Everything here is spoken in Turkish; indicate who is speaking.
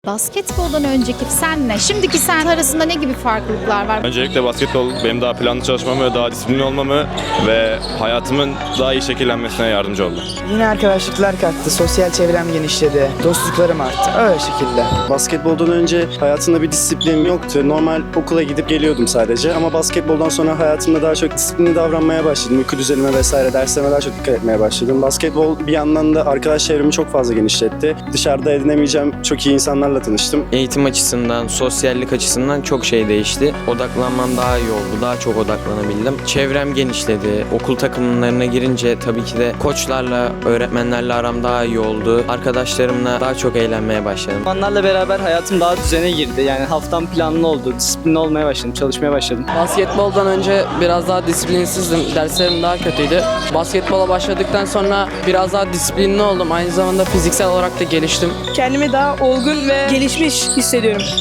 Speaker 1: Basketboldan önceki senle şimdiki sen arasında ne gibi farklılıklar var?
Speaker 2: Öncelikle basketbol benim daha planlı çalışmamı ve daha disiplinli olmamı ve hayatımın daha iyi şekillenmesine yardımcı oldu.
Speaker 3: Yine arkadaşlıklar kattı, sosyal çevrem genişledi, dostluklarım arttı. Öyle şekilde.
Speaker 4: Basketboldan önce hayatımda bir disiplinim yoktu. Normal okula gidip geliyordum sadece. Ama basketboldan sonra hayatımda daha çok disiplinli davranmaya başladım. Uyku düzenime vesaire derslerime daha çok dikkat etmeye başladım. Basketbol bir yandan da arkadaş çevremi çok fazla genişletti. Dışarıda edinemeyeceğim çok iyi insanlarla tanıştım.
Speaker 5: Eğitim açısından, sosyallik açısından çok şey değişti. Odaklanmam daha iyi oldu. Daha çok odaklanabildim. Çevrem genişledi. Okul takımlarına girince tabii ki de koçlarla, öğretmenlerle aram daha iyi oldu. Arkadaşlarımla daha çok eğlenmeye başladım.
Speaker 6: Onlarla beraber hayatım daha düzene girdi. Yani haftam planlı oldu. Disiplinli olmaya başladım. Çalışmaya başladım.
Speaker 7: Basketboldan önce biraz daha disiplinsizdim. Derslerim daha kötüydü. Basketbola başladıktan sonra biraz daha disiplinli oldum. Aynı zamanda fiziksel olarak da geliştim.
Speaker 8: Kendimi daha olgun ve gelişmiş hissediyorum.